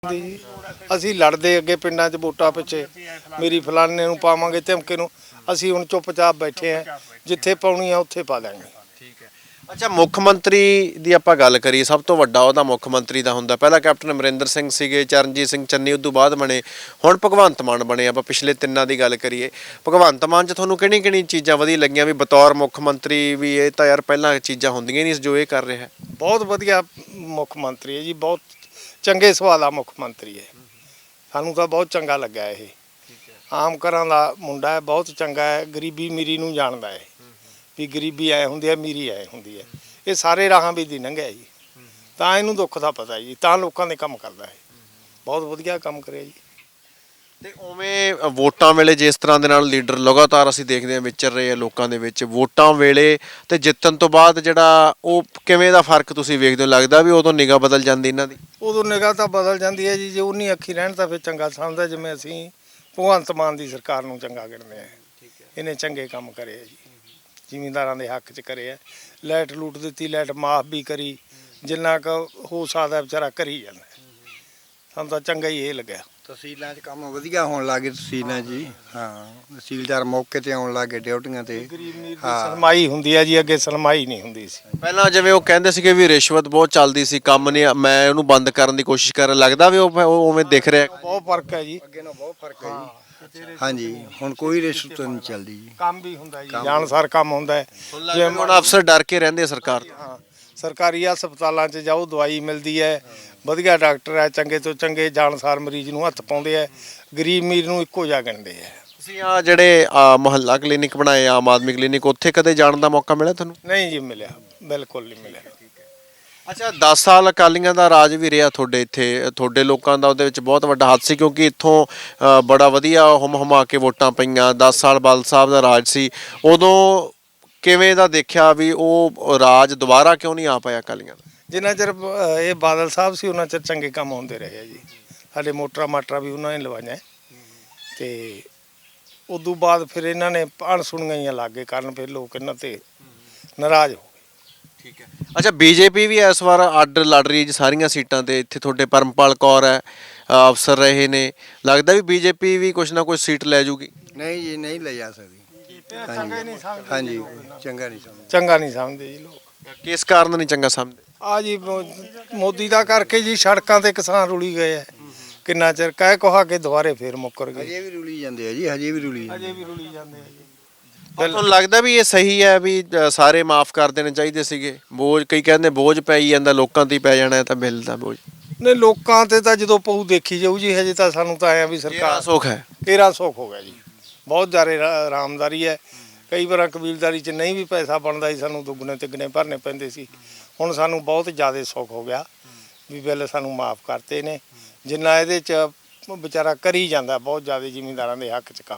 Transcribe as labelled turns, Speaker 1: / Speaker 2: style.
Speaker 1: ਜੀ ਅਸੀਂ ਲੜਦੇ ਅੱਗੇ ਪਿੰਡਾਂ 'ਚ ਵੋਟਾਂ ਪਿੱਛੇ ਮੇਰੀ ਫਲਾਣੇ ਨੂੰ ਪਾਵਾਂਗੇ ਧਮਕੇ ਨੂੰ ਅਸੀਂ ਹੁਣ ਚੁੱਪਚਾਪ ਬੈਠੇ ਆ ਜਿੱਥੇ ਪਾਉਣੀ ਆ ਉੱਥੇ ਪਾ ਦਾਂਗੇ।
Speaker 2: ਠੀਕ ਹੈ। ਅੱਛਾ, ਮੁੱਖ ਮੰਤਰੀ ਦੀ ਆਪਾਂ ਗੱਲ ਕਰੀਏ, ਸਭ ਤੋਂ ਵੱਡਾ ਉਹਦਾ ਮੁੱਖ ਮੰਤਰੀ ਦਾ ਹੁੰਦਾ। ਪਹਿਲਾਂ ਕੈਪਟਨ ਅਮਰਿੰਦਰ ਸਿੰਘ ਸੀਗੇ, ਚਰਨਜੀਤ ਸਿੰਘ ਚੰਨੀ ਉਦੋਂ ਬਾਅਦ ਬਣੇ, ਹੁਣ ਭਗਵੰਤ ਮਾਨ ਬਣੇ। ਆਪਾਂ ਪਿਛਲੇ ਤਿੰਨਾਂ ਦੀ ਗੱਲ ਕਰੀਏ, ਭਗਵੰਤ ਮਾਨ 'ਚ ਤੁਹਾਨੂੰ ਕਿਹੜੀ ਚੀਜ਼ਾਂ ਵਧੀਆ ਲੱਗੀਆਂ ਵੀ ਬਤੌਰ ਮੁੱਖ ਮੰਤਰੀ ਵੀ ਇਹ ਤਾਂ ਯਾਰ ਪਹਿਲਾਂ ਚੀਜ਼ਾਂ ਹੁੰਦੀਆਂ ਨਹੀਂ ਜੋ ਇਹ ਕਰ ਰਿਹਾ?
Speaker 1: ਬਹੁਤ ਵਧੀਆ ਮੁੱਖ ਮੰਤਰੀ ਹੈ ਜੀ, ਬਹੁਤ ਚੰਗੇ ਸੁਭਾਅ ਦਾ ਮੁੱਖ ਮੰਤਰੀ ਹੈ। ਸਾਨੂੰ ਤਾਂ ਬਹੁਤ ਚੰਗਾ ਲੱਗਾ ਇਹ। ਆਮ ਘਰਾਂ ਦਾ ਮੁੰਡਾ ਹੈ, ਬਹੁਤ ਚੰਗਾ ਹੈ, ਗਰੀਬੀ ਅਮੀਰੀ ਨੂੰ ਜਾਣਦਾ ਹੈ ਵੀ ਗਰੀਬੀ ਐ ਹੁੰਦੀ ਹੈ, ਅਮੀਰੀ ਐ ਹੁੰਦੀ ਹੈ। ਇਹ ਸਾਰੇ ਰਾਹਾਂ ਵੀ ਦੀ ਲੰਘਿਆ ਜੀ, ਤਾਂ ਇਹਨੂੰ ਦੁੱਖ ਦਾ ਪਤਾ ਜੀ, ਤਾਂ ਲੋਕਾਂ ਦੇ ਕੰਮ ਕਰਦਾ ਹੈ। ਬਹੁਤ ਵਧੀਆ ਕੰਮ ਕਰਿਆ ਜੀ।
Speaker 2: ਤੇ ਉਵੇਂ ਵੋਟਾਂ ਵੇਲੇ ਜਿਸ ਤਰ੍ਹਾਂ ਦੇ ਨਾਲ ਲੀਡਰ ਲਗਾਤਾਰ ਅਸੀਂ ਦੇਖਦੇ ਹਾਂ ਵਿਚਰ ਰਹੇ ਆ ਲੋਕਾਂ ਦੇ ਵਿੱਚ, ਵੋਟਾਂ ਵੇਲੇ ਤੇ ਜਿੱਤਣ ਤੋਂ ਬਾਅਦ ਜਿਹੜਾ ਉਹ ਕਿਵੇਂ ਦਾ ਫਰਕ ਤੁਸੀਂ ਵੇਖਦੇ ਹੋ? ਲੱਗਦਾ ਵੀ ਉਦੋਂ ਨਿਗਾਹ ਬਦਲ ਜਾਂਦੀ ਇਹਨਾਂ ਦੀ?
Speaker 1: ਉਦੋਂ ਨਿਗਾਹ ਤਾਂ ਬਦਲ ਜਾਂਦੀ ਹੈ ਜੀ, ਜੇ ਉਨੀ ਅੱਖੀ ਰਹਿਣ ਤਾਂ ਫਿਰ ਚੰਗਾ ਸਮਝਦਾ। ਜਿਵੇਂ ਅਸੀਂ ਭਗਵੰਤ ਮਾਨ ਦੀ ਸਰਕਾਰ ਨੂੰ ਚੰਗਾ ਗਿਣਦੇ ਹਾਂ, ਇਹਨੇ ਚੰਗੇ ਕੰਮ ਕਰੇ ਆ ਜੀ, ਜ਼ਿਮੀਂਦਾਰਾਂ ਦੇ ਹੱਕ 'ਚ ਕਰੇ ਆ। ਲਾਈਟ ਲੂਟ ਦਿੱਤੀ, ਲਾਈਟ ਮਾਫ ਵੀ ਕਰੀ, ਜਿੰਨਾ ਕੁ ਹੋ ਸਕਦਾ ਵਿਚਾਰਾ ਕਰੀ ਜਾਂਦਾ। ਸਾਨੂੰ ਤਾਂ ਚੰਗਾ ਹੀ ਇਹ ਲੱਗਿਆ।
Speaker 3: ਤਹਿਸੀਲਾਂ 'ਚ ਕੰਮ ਵਧੀਆ ਹੋਣ ਲੱਗੇ, ਤਹਿਸੀਲਾਂ ਜੀ, ਹਾਂ, ਤਹਿਸੀਲਦਾਰ ਮੌਕੇ ਤੇ ਆਉਣ ਲੱਗੇ ਡਿਊਟੀਆਂ ਤੇ।
Speaker 1: ਸਲਮਾਈ ਹੁੰਦੀ ਹੈ ਜੀ, ਅੱਗੇ ਸਲਮਾਈ ਨਹੀਂ ਹੁੰਦੀ ਸੀ
Speaker 2: ਪਹਿਲਾਂ। ਜਿਵੇਂ ਉਹ ਕਹਿੰਦੇ ਸੀਗੇ ਵੀ ਰਿਸ਼ਵਤ ਬਹੁਤ ਚੱਲਦੀ ਸੀ, ਕੰਮ ਨਹੀਂ, ਮੈਂ ਉਹਨੂੰ ਬੰਦ ਕਰਨ ਦੀ ਕੋਸ਼ਿਸ਼ ਕਰਨ ਲੱਗਦਾ ਵੀ ਉਹ ਉਵੇਂ ਦਿਖ ਰਿਹਾ?
Speaker 1: ਬਹੁਤ ਫਰਕ ਹੈ ਜੀ,
Speaker 3: ਅੱਗੇ ਨਾਲ ਬਹੁਤ ਫਰਕ ਹੈ ਜੀ। ਹਾਂਜੀ, ਹੁਣ ਕੋਈ ਰਿਸ਼ਵਤ ਨਹੀਂ ਚੱਲਦੀ ਜੀ,
Speaker 1: ਕੰਮ ਵੀ ਹੁੰਦਾ ਜੀ, ਜਾਣਸਾਰ ਕੰਮ ਹੁੰਦਾ ਹੈ।
Speaker 2: ਜਿਵੇਂ ਹੁਣ ਅਫਸਰ ਡਰ ਕੇ ਰਹਿੰਦੇ ਆ ਸਰਕਾਰ ਤੋਂ।
Speaker 1: ਹਾਂ, ਸਰਕਾਰੀ ਹਸਪਤਾਲਾਂ 'ਚ ਜਾਓ, ਦਵਾਈ ਮਿਲਦੀ ਹੈ, ਵਧੀਆ ਡਾਕਟਰ ਹੈ, ਚੰਗੇ ਤੋਂ ਚੰਗੇ ਜਾਣਸਾਰ ਮਰੀਜ਼ ਨੂੰ ਹੱਥ ਪਾਉਂਦੇ ਆ, ਗਰੀਬ ਅਮੀਰ ਨੂੰ ਇੱਕੋ ਜਿਹਾ ਗਿਣਦੇ ਆ।
Speaker 2: ਤੁਸੀਂ ਆ ਜਿਹੜੇ ਮੁਹੱਲਾ ਕਲੀਨਿਕ ਬਣਾਏ, ਆਮ ਆਦਮੀ ਕਲੀਨਿਕ, ਉੱਥੇ ਕਦੇ ਜਾਣ ਦਾ ਮੌਕਾ ਮਿਲਿਆ ਤੁਹਾਨੂੰ?
Speaker 1: ਨਹੀਂ ਜੀ, ਮਿਲਿਆ, ਬਿਲਕੁਲ ਨਹੀਂ ਮਿਲਿਆ।
Speaker 2: ਅੱਛਾ, 10 ਸਾਲ ਅਕਾਲੀਆਂ ਦਾ ਰਾਜ ਵੀ ਰਿਹਾ ਤੁਹਾਡੇ ਇੱਥੇ, ਤੁਹਾਡੇ ਲੋਕਾਂ ਦਾ ਉਹਦੇ ਵਿੱਚ ਬਹੁਤ ਵੱਡਾ ਹੱਥ ਸੀ, ਕਿਉਂਕਿ ਇੱਥੋਂ ਬੜਾ ਵਧੀਆ ਹੁਮਾ ਕੇ ਵੋਟਾਂ ਪਈਆਂ। 10 ਸਾਲ ਬਾਦਲ ਸਾਹਿਬ ਦਾ ਰਾਜ ਸੀ, ਉਦੋਂ ਕਿਵੇਂ ਦਾ ਦੇਖਿਆ ਵੀ ਉਹ ਰਾਜ ਦੁਬਾਰਾ ਕਿਉਂ ਨਹੀਂ ਆ ਪਾਇਆ ਅਕਾਲੀਆਂ ਦਾ?
Speaker 1: ਜਿੰਨਾ ਚਿਰ ਇਹ ਬਾਦਲ ਸਾਹਿਬ ਸੀ ਉਹਨਾਂ ਚਿਰ ਚੰਗੇ ਕੰਮ ਹੁੰਦੇ ਰਹੇ ਆ ਜੀ। ਸਾਡੇ ਮੋਟਰਾਂ ਮਾਟਰਾਂ ਵੀ ਉਹਨਾਂ ਨੇ ਲਵਾਈਆਂ, ਤੇ ਉਦੋਂ ਬਾਅਦ ਫਿਰ ਇਹਨਾਂ ਨੇ ਅਣਸੁਣੀਆਂ ਲੱਗੇ ਕਰਨ, ਫਿਰ ਲੋਕ ਇਹਨਾਂ ਤੇ ਨਾਰਾਜ਼ ਹੋ ਗਏ।
Speaker 2: ਠੀਕ ਹੈ। ਅੱਛਾ, ਬੀਜੇਪੀ ਵੀ ਇਸ ਵਾਰ ਅੱਡ ਲੜ ਰਹੀ ਜੀ ਸਾਰੀਆਂ ਸੀਟਾਂ ਤੇ। ਇੱਥੇ ਤੁਹਾਡੇ ਪਰਮਪਾਲ ਕੌਰ ਹੈ, ਅਫਸਰ ਰਹੇ ਨੇ, ਲੱਗਦਾ ਵੀ ਬੀਜੇਪੀ ਵੀ ਕੁਛ ਨਾ ਕੁਛ ਸੀਟ ਲੈ ਜੂਗੀ?
Speaker 3: ਨਹੀਂ ਜੀ, ਨਹੀਂ ਲੈ ਜਾ ਸਕਦੀ।
Speaker 1: ਚੰਗਾ ਨਹੀਂ ਸਮਝਦੇ,
Speaker 3: ਹਾਂਜੀ, ਚੰਗਾ ਨਹੀਂ ਸਮਝਦੇ।
Speaker 1: ਚੰਗਾ ਨਹੀਂ ਸਮਝਦੇ ਜੀ ਲੋਕ।
Speaker 2: ਕਿਸ ਕਾਰਨ ਨਹੀਂ ਚੰਗਾ ਸਮਝਦੇ?
Speaker 1: ਆ ਜੀ ਮੋਦੀ ਦਾ ਕਰਕੇ ਜੀ, ਸੜਕਾਂ ਤੇ ਕਿਸਾਨ ਰੁਲੀ ਗਏ ਆ, ਕਿੰਨਾ ਚਿਰ ਕਹਿ ਕਹਾ ਕੇ ਦੁਬਾਰੇ ਫੇਰ ਮੁੱਕਰ ਗਏ।
Speaker 3: ਹਜੇ ਵੀ ਰੁਲੀ ਜਾਂਦੇ ਆ ਜੀ, ਹਜੇ ਵੀ ਰੁਲੀ ਜਾਂਦੇ।
Speaker 1: ਅਜੇ ਵੀ ਰੁਲੀ ਜਾਂਦੇ ਆ ਜੀ।
Speaker 2: ਤੁਹਾਨੂੰ ਲੱਗਦਾ ਵੀ ਇਹ ਸਹੀ ਹੈ ਵੀ ਸਾਰੇ ਮਾਫ ਕਰ ਦੇਣੇ ਚਾਹੀਦੇ ਸੀਗੇ? ਬੋਝ, ਕਈ ਕਹਿੰਦੇ ਬੋਝ ਪੈ ਹੀ ਜਾਂਦਾ ਲੋਕਾਂ ਤੇ ਹੀ ਪੈ ਜਾਣਾ ਤਾਂ ਬਿੱਲ ਦਾ ਬੋਝ।
Speaker 1: ਨਹੀਂ, ਲੋਕਾਂ ਤੇ ਤਾਂ ਜਦੋਂ ਪਊ ਦੇਖੀ ਜਾਊ ਜੀ। ਹਜੇ ਤਾਂ ਸਾਨੂੰ ਤਾਂ ਆਇਆ ਵੀ ਸਰਕਾਰ
Speaker 2: ਸੁੱਖ ਹੈ,
Speaker 1: 13 ਸੁੱਖ ਹੋ ਗਿਆ ਜੀ, ਬਹੁਤ ਜ਼ਿਆਦਾ ਆਰਾਮਦਾਰੀ ਹੈ। ਕਈ ਵਾਰ ਕਬੀਲਦਾਰੀ 'ਚ ਨਹੀਂ ਵੀ ਪੈਸਾ ਬਣਦਾ ਸੀ, ਸਾਨੂੰ ਦੁੱਗਣੇ ਤਿੱਗਣੇ ਭਰਨੇ ਪੈਂਦੇ ਸੀ। ਹੁਣ ਸਾਨੂੰ ਬਹੁਤ ਜ਼ਿਆਦਾ ਸੁੱਖ ਹੋ ਗਿਆ ਵੀ ਬਿੱਲ ਸਾਨੂੰ ਮਾਫ ਕਰਤੇ ਨੇ। ਜਿੰਨਾ ਇਹਦੇ 'ਚ ਵਿਚਾਰਾ ਕਰੀ ਜਾਂਦਾ, ਬਹੁਤ ਜ਼ਿਆਦਾ ਜ਼ਿਮੀਂਦਾਰਾਂ ਦੇ ਹੱਕ 'ਚ ਕੰਮ।